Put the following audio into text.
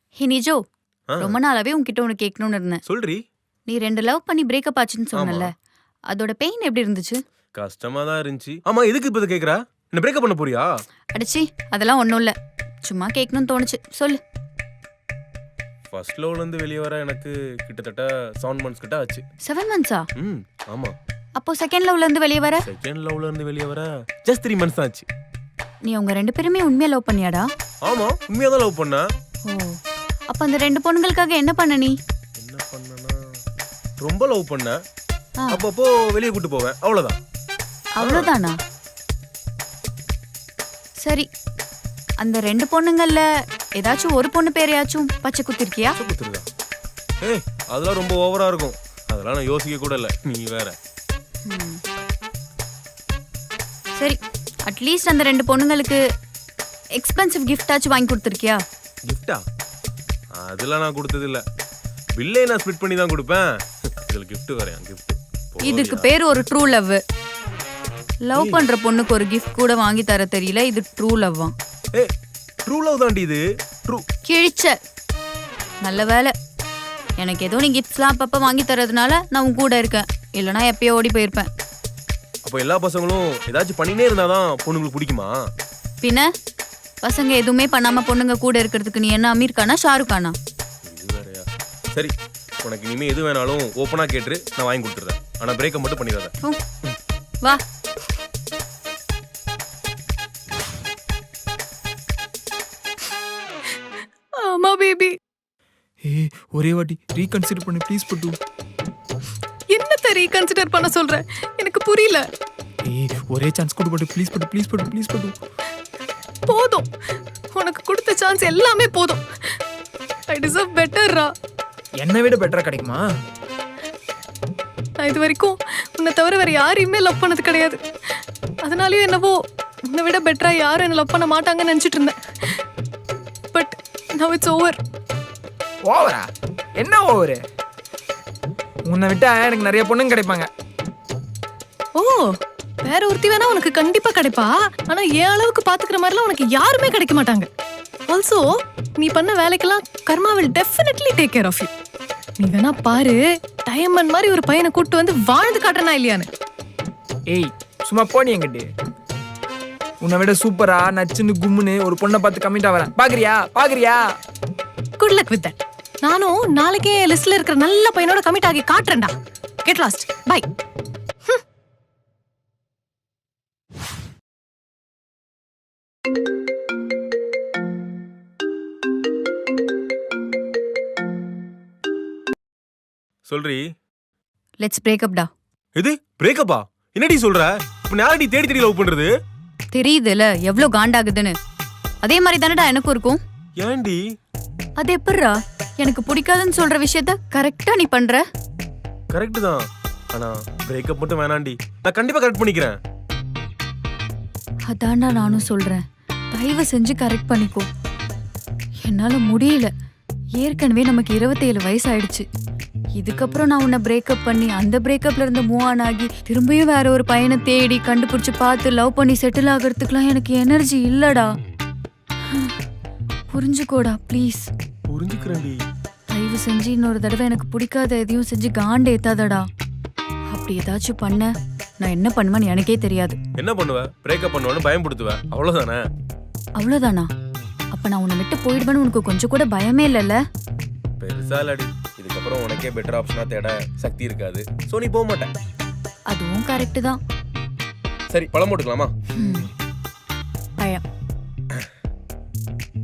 ஹே நிஜோ, ஆ, ரொம்ப நாளாவே உன்கிட்ட ஒன்று கேட்கணும்னு இருந்தேன். சொல்றி. நீ 2 லவ் பண்ணி பிரேக்கப் ஆச்சுன்னு ஆமா, சொன்னல, அதோட பெயின் எப்படி இருந்துச்சு? கஷ்டமா தான் இருந்துச்சு. ஆமா, எதுக்கு இப்ப இதை கேக்குறா? என்ன பிரேக்கப் பண்ண போறியா? அடிச்சி, அதெல்லாம் ஒன்றும் இல்லை. சும்மா கேட்கணும்னு தோணுச்சு, சொல்லு. ஃபர்ஸ்ட் லவ்ல இருந்து வெளியே வர எனக்கு கிட்டத்தட்ட 7 months கிட்ட ஆச்சு. 7 monthsா? ம், ஆமா. அப்போ செகண்ட் லவ்ல இருந்து வெளியே வர? செகண்ட் லவ்ல இருந்து வெளியே வர ஜஸ்ட் 3 months தான் ஆச்சு. நீ அவங்க 2 பேருமே உண்மையா லவ் பண்ணியாடா? ஆமா, உண்மையா தான் லவ் பண்ண. ஓ, அப்போ அந்த 2 பொண்ணுங்களுக்காக என்ன பண்ண நீ? என்ன பண்ணனா, ரொம்ப லவ் பண்ண. ஆ, அப்பப்போ வெளியே கூட்டு போவேன், அவ்வளவுதான். அவ்வளோதானா? சரி, அந்த 2 பொண்ணுங்கள்ல ஏதாச்சும் ஒரு பொண்ணு பேரையாச்சும் பச்சை குத்திருக்கியா? குத்துருதா? ஏய், அதெல்லாம் ரொம்ப ஓவரா இருக்கும். அதெல்லாம் நான் யோசிக்க கூட இல்ல, நீ வேற. ம். சரி, அட்லீஸ்ட் அந்த 2 பொண்ணுங்களுக்கு எக்ஸ்பென்சிவ் கிஃப்டாச்சும் வாங்கி கொடுத்துருக்கியா? கிஃப்டா? அதெல்லாம் நான் கொடுத்தது இல்ல. பில்லே நான் ஸ்பிட் பண்ணி தான் கொடுப்பேன். இதுல gift வேறயா? gift இதுக்கு பேர் ஒரு ட்ரூ லவ். லவ் பண்ற பொண்ணுக்கு ஒரு கிஃப்ட் கூட வாங்கி தர தெரியல, இது ட்ரூ லவ்வா? ஏய், ட்ரூ லவ் தாண்டி இது. ட்ரூ. கிழிச்ச. நல்ல வேலை, எனக்கு ஏதோ நீ கிஃப்ட்ஸ்லாம் அப்பப்போ வாங்கி தரதுனால நான் உன் கூட இருக்கேன், இல்லைனா எப்பயோ ஓடி போயிருப்பேன். அப்போ எல்லா பசங்களும் ஏதாச்சும் பண்ணினே இருந்தாதான் பொண்ணுங்களுக்கு பிடிக்குமா? பின்ன பசங்க எதுவுமே பண்ணாம பொண்ணுங்க கூட இருக்கிறதுக்கு நீ என்ன அமீர் கானா ஷாருக் கானா? இது வேறயா? சரி, உனக்கு இனிமே எது வேணாலும் ஓப்பனா கேட்டு நான் வாங்கி கொடுத்துறேன். ஆனா பிரேக்கப் மட்டும் பண்ணிடாத. ஹம், வா. ஆமா பேபி. ஏய் ஒரே வாட்டி ரீகன்சிடர் பண்ணு ப்ளீஸ் பட்டு. என்னத்த ரீகன்சிடர் பண்ண சொல்ற? எனக்கு புரியல. ஏய் ஒரே சான்ஸ் கொடு பட்டு ப்ளீஸ் பட்டு ப்ளீஸ் பட்டு ப்ளீஸ் பட்டு. போதும், உனக்கு கொடுத்த சான்ஸ் எல்லாமே போதும். ஐ டிசர்வ் பெட்டர்ரா. என்னை விட பெட்டரா கிடைக்குமா? நான் இது வரைக்கும் உன்னை தவிர வேற யாரையுமே லவ் பண்ணது கிடையாது. அதனாலயும் என்னவோ உன்னை விட பெட்டரா யாரும் என்ன லவ் பண்ண மாட்டாங்கன்னு நினைச்சிட்டு இருந்தேன். But now it's over. ஓவரா? என்ன ஓவரு? உன்னை விட்டா எனக்கு நிறைய பொண்ணுங்க கிடைப்பாங்க. ஓ, வேற ஒருத்தி வேணா உனக்கு கண்டிப்பா கிடைப்பா. ஆனா என் அளவுக்கு பாத்துக்கிற மாதிரிலாம் உனக்கு யாருமே கிடைக்க மாட்டாங்க. ஆல்சோ நீ பண்ண வேலைக்கெல்லாம் கர்மா will definitely take care of you. நீ வேணா பாரு, டைமண்ட் மாதிரி ஒரு பையனை கூட்டு வந்து வாழ்ந்து காட்டுறனா இல்லையான்னு. ஏய் சும்மா போனி என்கிட்ட. உன்னை விட சூப்பரா நச்சுன்னு கும்முன்னு ஒரு பொண்ணை பார்த்து கம்மிட்டா வரேன். பாக்குறியா பாக்குறியா? Good luck with that. நானும் நாளைக்கே லிஸ்ட்ல இருக்கிற நல்ல பையனோட கமிட் ஆகி காட்டுறேன்டா. Get lost. பை. சொல்றி. லெட்ஸ் பிரேக்கப் டா. இது பிரேக்கப்பா? என்னடி சொல்ற? இப்ப யாரடி தேடி தேடி லவ் பண்றது? தெரியுதுல எவ்வளோ காண்டாகுதுன்னு. அதே மாதிரி தானடா எனக்கும் இருக்கும். ஏன்டி? அது எப்படிரா எனக்கு பிடிக்காதுன்னு சொல்ற விஷயத்த கரெக்டா நீ பண்ற? கரெக்ட் தான். ஆனா பிரேக்கப் மட்டும் வேணாண்டி. நான் கண்டிப்பா கரெக்ட் பண்ணிக்கிறேன். அதான்டா நானும் சொல்றேன், தயவு செஞ்சு கரெக்ட் பண்ணிக்கோ. என்னால முடியல. ஏற்கனவே நமக்கு 27 வயசு ஆயிடுச்சு. இதுக்கப்புறம் நான் உன்னை பிரேக்கப் பண்ணி அந்த பிரேக்கப்ல இருந்து மூவ் ஆன் ஆகி திரும்பியும் வேற ஒரு பையனை தேடி கண்டுபிடிச்சு பார்த்து லவ் பண்ணி செட்டில் ஆகிறதுக்குலாம் எனக்கு எனர்ஜி இல்லடா. புரிஞ்சுக்கோடா ப்ளீஸ். புரிஞ்சுக்கிறேன்டி. தயவு செஞ்சு இன்னொரு தடவை எனக்கு பிடிக்காத எதையும் செஞ்சு காண்டு ஏத்தாதடா. அப்படி ஏதாச்சும் பண்ண நான் என்ன பண்ணுவேன்னு எனக்கே தெரியாது. என்ன பண்ணுவ? பிரேக்கப் பண்ணுவேன்னு பயன்படுத்துவேன், அவ்வளவுதானே? அவ்வளோதானா? அப்ப நான் உன்னை விட்டு போயிடுவேன்னு உனக்கு கொஞ்சம் கூட பயமே இல்லைல்ல? பெருசா இல்லடி. இதுக்கப்புறம் உனக்கே பெட்டர் ஆப்ஷனா தேட சக்தி இருக்காது. சோ நீ போக மாட்டேன். அதுவும் கரெக்டு தான். சரி, பழம் போட்டுக்கலாமா? பழம்.